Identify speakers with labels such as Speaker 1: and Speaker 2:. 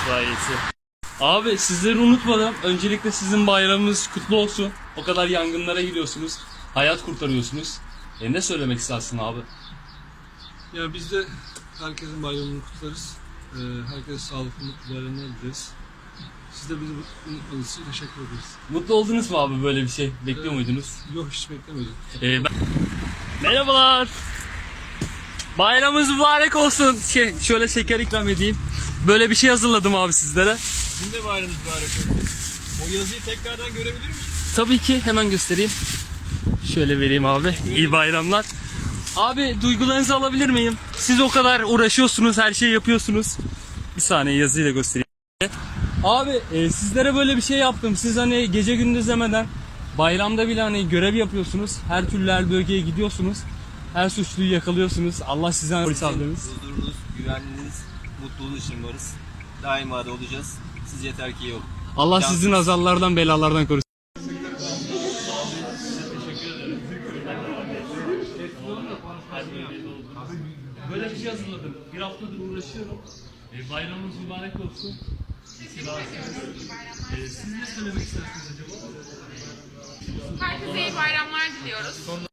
Speaker 1: itfaiyesi. Abi sizleri unutmadım. Öncelikle sizin bayramınız kutlu olsun. O kadar yangınlara gidiyorsunuz. Hayat kurtarıyorsunuz. Ne söylemek istersin abi?
Speaker 2: Ya biz de herkesin bayramını kutlarız. Herkese sağlıklı, mutlu bayramlar dileriz. Siz de bizi unutmadığınız için teşekkür ederiz.
Speaker 1: Mutlu oldunuz mu abi böyle bir şey? Bekliyor muydunuz?
Speaker 2: Yok, hiç beklemedim.
Speaker 1: Merhabalar. Bayramınız mübarek olsun. Şöyle şeker ikram edeyim. Böyle bir şey hazırladım abi sizlere.
Speaker 3: Sizin de bayramınız mübarek olsun. O yazıyı tekrardan görebilir miyiz?
Speaker 1: Tabii ki hemen göstereyim. Şöyle vereyim abi. İyi bayramlar. Abi duygularınızı alabilir miyim? Siz o kadar uğraşıyorsunuz, her şeyi yapıyorsunuz. Bir saniye yazıyla göstereyim. Abi sizlere böyle bir şey yaptım. Siz hani gece gündüz demeden bayramda bile hani görev yapıyorsunuz. Her türlü her bölgeye gidiyorsunuz. Her suçluyu yakalıyorsunuz. Allah sizden polis aldınız.
Speaker 3: Huzurunuz, güvenliğiniz, mutluluğunuz için varız. Daima da olacağız. Siz yeter ki iyi olun.
Speaker 1: Allah sizin azarlardan belalardan korusun. Böyle bir şey hazırladım. Bir haftadır uğraşıyorum. Bayramınız mübarek olsun. Siz ne söylemek istersiniz acaba?
Speaker 4: Herkese iyi bayramlar diliyoruz.